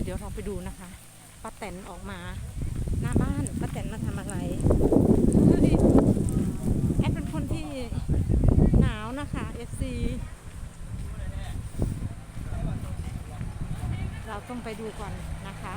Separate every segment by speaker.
Speaker 1: ดี๋ยวเราไปดูนะคะป้าแตนออกมาหน้าบ้านป้าแตนมาทำอะไรแอดเป็นคนที่หนาวนะคะ FC เราต้องไปดูก่อนนะคะ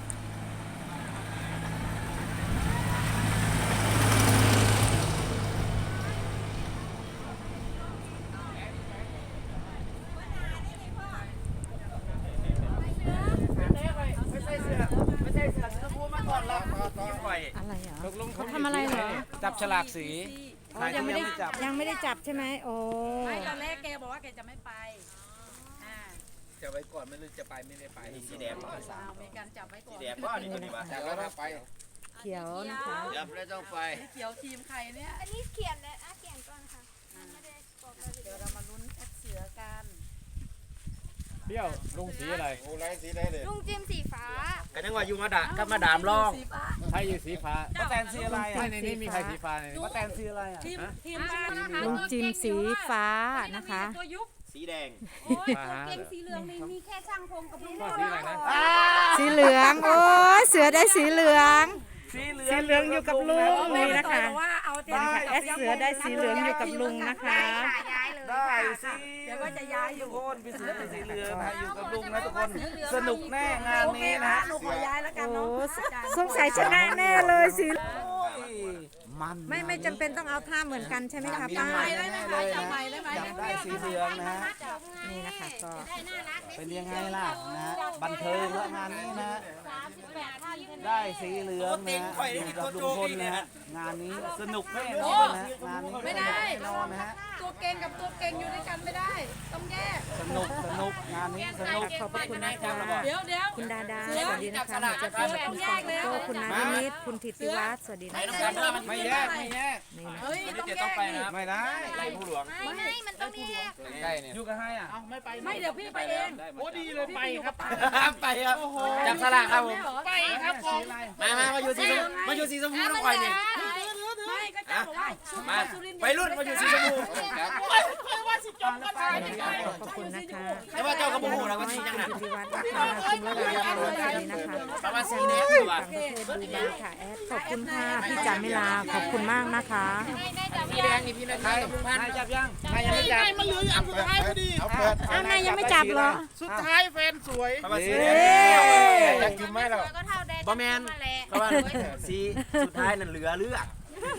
Speaker 1: อะไรเหรอเขาทำอะไรเหรอ
Speaker 2: จับฉลากสี
Speaker 1: ยังไม่ได้จับใช่ไหมโอ้
Speaker 3: ไม่ตอนแรกแกบอกว่าแกจะไม่ไป
Speaker 2: จะไว้ก่อนไม่รู้จะไปไม่ได้ไปสีแดง
Speaker 3: มีการจับไว้ก่อน
Speaker 2: สีแดงก็นี่ตัวนี้วะจับแล้วไป
Speaker 1: เขียวนะคะ
Speaker 2: จับแล้วต้องไป
Speaker 3: เขียวทีมใครเนี่ย
Speaker 4: อันนี้เขียนเลยเขียนก่อนค่ะไม่ได้บอกเลย
Speaker 3: เดี๋ยวเรามาลุ้นแอดเสือกัน
Speaker 2: เปรี้ยวลุงสีอะไรโอ้ไรสีได้เลย
Speaker 4: ลุงจิมสีฟ้า
Speaker 2: กันยังว่าอยู่มาด่าก็มาดามร่องใครอยู่สีฟ้าป้าแตนสีอะไรในนี้มีใครสีฟ้าในนี้ป้าแตนสีอะไรอ่ะ
Speaker 3: ทีมบ้าน
Speaker 1: ลุงจิมสีฟ้านะคะ
Speaker 3: ตัวยุบ
Speaker 2: สีแดง
Speaker 4: โอ้ยตัวเก่งสีเหลืองมีแค่ช่างพงกับลุง
Speaker 2: สีอะไรนะ
Speaker 1: สีเหลืองโอ้เสือได้สีเหลืองสีเหลืองอยู่กับลุงนี่นะคะแอดเสือได้สีเหลืองอยู่กับลุงนะคะ
Speaker 2: ได้สิ
Speaker 3: เดี๋ยวก็จะย้ายอยู่
Speaker 2: ทุกคนพี่เสือเป็นสีเหลืองนะอยู่กับลุงนะทุกคนสนุกแน่งานนี้นะ
Speaker 3: หนูขอย้ายแล้วกันเนาะ
Speaker 1: สงสัยชนะแน่เลยสี
Speaker 2: มัน
Speaker 1: ไม่จำเป็นต้องเอาท่าเหมือนกันใช่ไหมคะป้า
Speaker 3: จับใหม่ได้ไหม
Speaker 2: จับได้สีเหลืองนะ
Speaker 1: นี่นะคะก็
Speaker 2: เป็นยังไงล่ะนะบันเทิงแล้วงานนี้นะได้สีเหลืองนะอยู่กับลุงพลนะฮะงานนี้สนุกแน่นอนนะงานนี้
Speaker 3: ไม่ได้
Speaker 2: นอนนะฮะ
Speaker 3: ตัวเก่งกับตัวเก่งอยู่ด้วยกันไม่ได้ต้องแยก
Speaker 2: สนุกงานนี้สนุก
Speaker 1: ขอบคุณนะคะ
Speaker 3: เดี๋ยว
Speaker 1: คุณดาสวัสดีนะคะหนูจะเป็นคุณสองโก้คุณนารินิตคุณธิติวัฒน์สวัสดีนะคะ
Speaker 2: ไม่แยกนี่นะ
Speaker 3: ต้องไปนะ
Speaker 2: ไม่ได้ไรผู้หลวง
Speaker 4: ไม่มันต้องแยก
Speaker 2: ใกล้เนี่ยอยู่กับให้อ่ะ
Speaker 3: ไม่เดี๋ยวพี่ไปเอง
Speaker 2: โอ้ดีเลยไปครับไปครับจับสลากครับผม
Speaker 3: ไปครับผม
Speaker 2: มาอยู่สีชมพูต้องคอยเนี่ย
Speaker 3: ไม่ก็จะบอกว่า
Speaker 2: มาไปรุ่นมาอยู่สีชมพู
Speaker 3: ว่าสิจบกันไป
Speaker 1: ขอบคุณนะคะ
Speaker 2: แต่ว่าเจ้ากระบอกนะว่าสีจังหนัก
Speaker 1: ธิติวัฒน์นะคะคุณระดาสวัสดีนะคะ
Speaker 2: ประมาณสีแดง
Speaker 1: ต่างประเทศดูบ้างค่ะแอดขอบคุณค่ะพี่จันมิลาขอบคุณมากนะคะ
Speaker 2: สีแดงนี่พี่นายนายจับยังนายยังไม่จับ
Speaker 3: มันเหลืออันสุดท้ายพอดี
Speaker 1: เอานายยังไม่จับเหรอ
Speaker 3: สุดท้ายแฟนสวย
Speaker 2: ประมาณสีแดงอยากกินไหมเราบะแมนประมาณสีสุดท้ายนั่นเหลือเลือก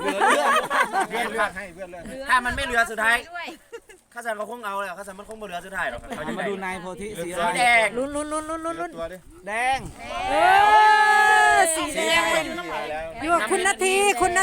Speaker 2: ให้เพื่อนเลือกถ้ามันไม่เหลือสุดท้ายข้าสันเขาคงเอาแล้วข้าสันมันคงไม่เหลือสุดท้ายหรอกมาดูนายโพธิสีแดง
Speaker 1: ลุ้น
Speaker 2: แดง
Speaker 1: สีแดงอยู่กับคุณนาที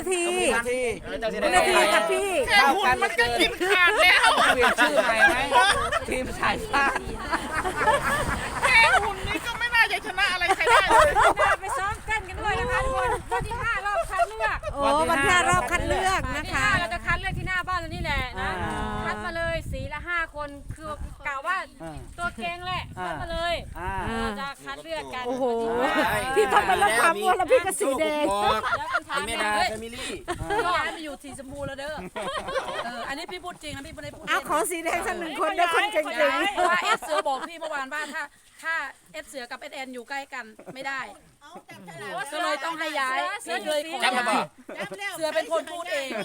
Speaker 1: กับพี่
Speaker 3: แค่หุ่นมันก็กินขาดแล้ว
Speaker 2: เปลี่ยนชื่อใหม่ไหมทีมสายฟ้า
Speaker 3: แค่หุ่นนี้ก็ไม่น่าจะชนะอะไรใครได้เลยไปซ้อมเต้นกันด้วยนะคะทุกคนวันที่5รอบคัดเลือก
Speaker 1: วันที่5รอบคัดเลือกนะคะ
Speaker 3: เราจะคัดเลือกที่หน้าบ้านเรานี่แหละนะคัดมาเลยสีละ5คนคือกล่าวว่าตัวเก่งแหละคัดมาเลยเราจะคัดเลือกกัน
Speaker 1: โอ้โหพี่ทำไปแล้วความมัวแล้วพี่ก็สีแดง
Speaker 2: เป็นเมดาแฟมิลี่
Speaker 3: ย้ายมาอยู่สีชมพูแล้วเด้ออันนี้พี่พูดจริงนะพี่ไม่ได้พูด
Speaker 1: เอาขอสีแดงสัก1คนได้คนเก่ง
Speaker 3: ๆว่าเอสเสือบอกพี่เมื่อวานว่าถ้าเอสเสือกับเอสแอนอยู่ใกล้กันไม่ได้ก็เลยต้องให้ย้ายเสือเลยขอย้ายเสือเป็นคนพูดเอง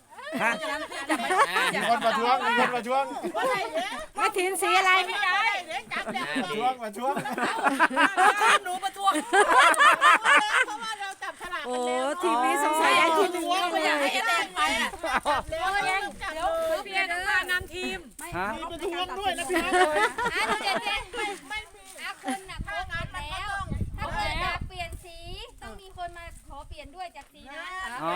Speaker 2: มีคนมาช่วง
Speaker 1: มาถินสีอะไร
Speaker 2: มาช่วง
Speaker 3: หนูมาทวง
Speaker 1: โอ้ทีมนี้สงสัยไอ้ทีมนึง
Speaker 3: ไม่อยากให้เอสแอนไปอ่ะเดี๋ยวพี่เอ็นต้องนำทีม
Speaker 2: มี
Speaker 3: ประท้วงด้วยนะพี่
Speaker 4: ไม่คนน่ะโพสต์แล้วถ้าเกิดอยากเปลี่ยนสีต้องมีคนมาขอเปลี่ยนด้วยจากสีนั้น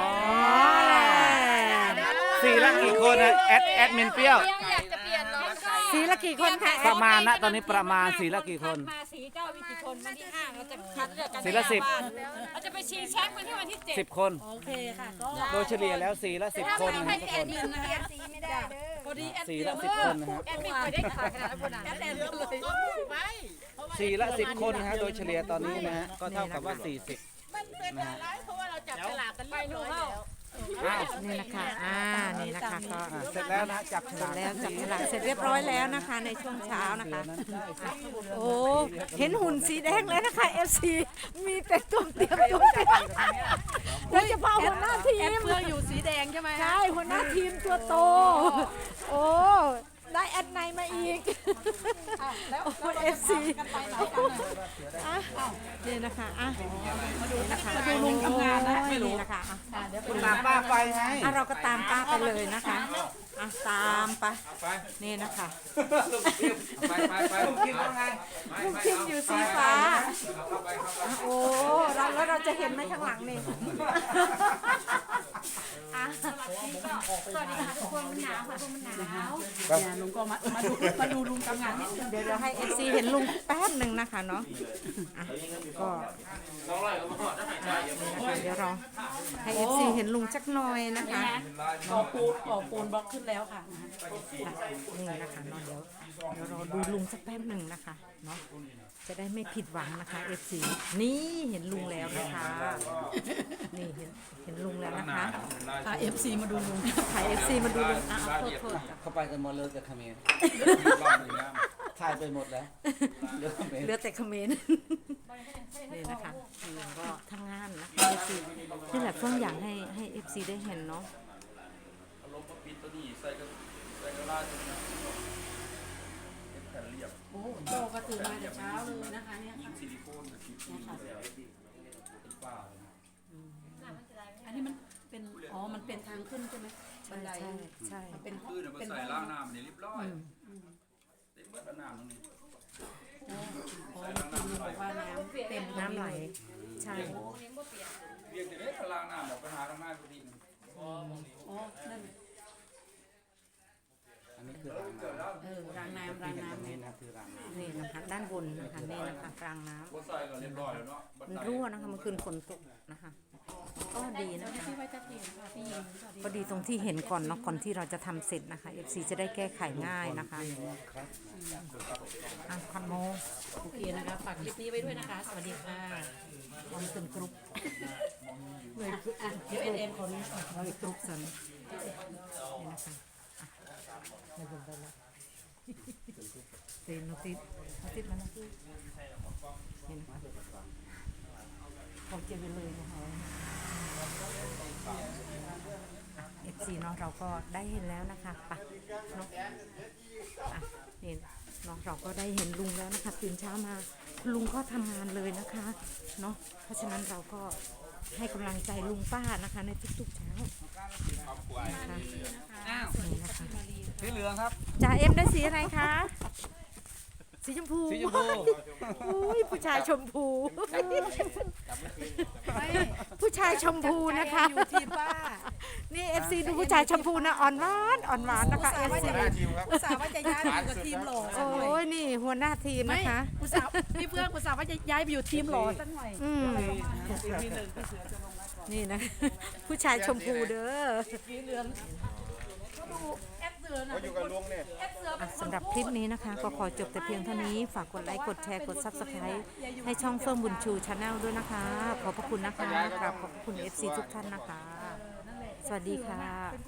Speaker 2: สีละกี่คนนะแอดมินเปรี้ยว
Speaker 4: อยากจะเปลี่ยนน้อง
Speaker 1: สีละกี่คนคะ
Speaker 2: ประมาณนะตอนนี้ประมาณสีละกี่คน
Speaker 3: มาสีเจ้าวิกี่คนวันที่5เราจะคัดเลือกกัน
Speaker 2: สีละ10
Speaker 3: เราจะไปชิงแชมป์วันที่
Speaker 2: 10 คน
Speaker 3: โอเคค่ะ
Speaker 2: โดยเฉลี่ยแล้วสีละ10 คน
Speaker 4: นะทุกคนสีไม่ได้เด้อ
Speaker 3: พอดี
Speaker 2: สีละ10 คนนะครับ
Speaker 3: แอดมินไม่ได้ขายขนาดนั้นแอดแอนเลย
Speaker 2: สีละ10 คนนะฮะโดยเฉลี่ยตอนนี้นะฮะก็เท่ากับว่า40
Speaker 3: มันเป็นอะไรเพราะว่าเราจับฉลากกันเรียบร้อยแล้ว
Speaker 1: นี่นะคะนี่นะคะก็
Speaker 2: เสร็จแล้วนะจับฉ
Speaker 1: เสร็
Speaker 2: ลา
Speaker 1: จ
Speaker 2: ก
Speaker 1: แล้วจับฉลากเสร็จเรียบร้อยแล้วนะคะ ในช่วงเช้านะคะ โอ้เห็นหุ่นสีแดงแล้วนะคะ FC มีแต่ตุ่มเตรียมตุ่มเตรียมโดยเฉพาะหัวหน้าที
Speaker 3: แอ
Speaker 1: ม
Speaker 3: ปเฟืองอยู่สีแดงใช่ไหม
Speaker 1: ใช่หัวหน้าทีมตัวโต โอ้ได้แอดไนมาอีก
Speaker 3: แล้ว
Speaker 1: โอ้ FC อ่ะนี่นะคะอ่ะมาดูนะคะมาดูลุงทำงานนะนี่นะคะอ่ะ
Speaker 2: ตามป้าไปไง
Speaker 1: อ่ะเราก็ตามป้าไปเลยนะคะอ่ะตามไปนี่นะคะ
Speaker 5: ไป
Speaker 2: ลุงคิดว่าไง
Speaker 1: ลุงคิมอยู่สีฟ้าอ่ะโอ้แล้วเราจะเห็นไหมข้างหลังนี่อ่ะ
Speaker 4: สวัสดีค่ะทุกคนมันหนาวค่ะทุกคนมันหนาว
Speaker 3: เนี่ยลุงก็มาดูลุงทำงานนิดนึง
Speaker 1: เดี๋ยวให้ FC เห็นลุงแป๊บหนึ่งนะคะเนาะอ่ะก็เดี๋ยวเราให้ FC เห็นลุงจักหน่อยนะคะ
Speaker 3: ก่อปูนบล็อกขึ้นแล้วค่ะ
Speaker 1: นี่นะคะเนาะเดี๋ยวเราดูลุงสักแป๊บหนึ่งนะคะเนาะจะได้ไม่ผิดหวังนะคะ FC นี่เห็นลุงแล้วนะคะนี่เห็นลุงแล้วนะคะ
Speaker 3: พา FC มาดูลุง
Speaker 1: ถ่าย FC มาดูลุงอ่ะเอาโทษ
Speaker 2: เข้าไปกันหมดเลยกับเขมรถ่ายไปหมดแล้วเหลือเขมร
Speaker 1: เหลือแต่คอมเมนต์นี่นะคะลุงก็ทำงานนะคะ FC นี่แหละเพิ่งอยากให้ FC ได้เห็นเนาะ
Speaker 3: โอ้โตก็ตื่นมาแต่เช้าเลยนะคะเนี่ยค่ะอันนี้มันเป็นมันเป็นทางขึ้นใช่ไหมบันได
Speaker 1: ใช่
Speaker 3: มันเป็นห้อง
Speaker 5: คือเนี่ย
Speaker 3: เป็น
Speaker 5: ใส่
Speaker 3: ห้อง
Speaker 5: ล่างน้ำนี่เรียบร้อยเต็มเบิดน้ำตรงนี้
Speaker 3: คุณบอกว่าน้ำเต็ม
Speaker 1: น้ำไหลใช่
Speaker 5: เรียกจะได้ถ้าล่างน้ำแบบไปหาทางหน้าพอดี
Speaker 3: นั่น
Speaker 2: อันนี้คือรางน้ำ
Speaker 3: รางน้ำ
Speaker 2: นี่นะคือรางน้ำ
Speaker 1: นี่นะคะด้านบนนะคะนี่นะคะกลางน้ำ
Speaker 5: ก็ใส่ก็เรียบร้อยแล้วเนาะ
Speaker 1: มันรั่วนะคะเมื่อคืนฝนตกนะคะก็ดีนะคะ
Speaker 3: พี่ไว้จะเห็นค่ะพี่หญิงสวัสดี
Speaker 1: ก็ดีตรงที่เห็นก่อนเนาะก่อนที่เราจะทำเสร็จนะคะ FC จะได้แก้ไขง่ายนะคะอ่ะคันโม
Speaker 3: โอเคนะคะฝากคลิปนี้ไว้ด้วยนะคะ สวัสดีค่ะ
Speaker 1: วันเป็นกรุ๊ป
Speaker 3: เดี๋ยวเอ็นคนนี้
Speaker 1: เราอีกกรุ๊ปสันนี่นะคะอ่ะไม่เป็นไรแล้วเต็มโนติดมาแล้วนี่นะคะเขาเจอไปเลยนะคะFC เนาะเราก็ได้เห็นแล้วนะคะไปเนาะอ่ะนี่เนาะเราก็ได้เห็นลุงแล้วนะคะตื่นเช้ามาคุณลุงก็ทำงานเลยนะคะเนาะเพราะฉะนั้นเราก็ให้กำลังใจลุงป้านะคะในทุกๆเช้านะคะนี่นะคะ
Speaker 2: สีเหลืองครับ
Speaker 1: จ่าเอ็มได้สีอะไรคะสีชมพู
Speaker 2: สีชมพู
Speaker 1: อุ้ยผู้ชายชมพูผู้ชายชมพูนะคะ
Speaker 3: อยู่ทีมป้า
Speaker 1: นี่ FC ดูผู้ชายชมพูนะอ่อนหวานนะคะ FC
Speaker 3: อุตส่าห์ว่าจะย้ายไปอยู่กับทีมหล่อสักหน่อย
Speaker 1: โอ้ยนี่หัวหน้าทีมนะคะ
Speaker 3: อุตส่าห์พี่เพื่อนอุตส่าห์ว่าจะย้ายไปอยู่ทีมหล่อสักหน่อย
Speaker 1: อืมนี่นะ ผู้ชายชมพูเด้อ
Speaker 3: แอปเสือนะ
Speaker 5: อยู่กับลุงเนี่ย
Speaker 3: แอปเสือ
Speaker 1: อ่ะสำหรับคลิปนี้นะคะ ก็ขอจบแต่เพียงเท่านี้ ฝากกดไลค์กดแชร์กด Subscribe ให้ช่องเฟิร์มบุญชูชาแนลด้วยนะคะ ขอบพระคุณนะคะกราบขอบพระคุณ FC ทุกท่านนะคะ สวัสดีค่ะ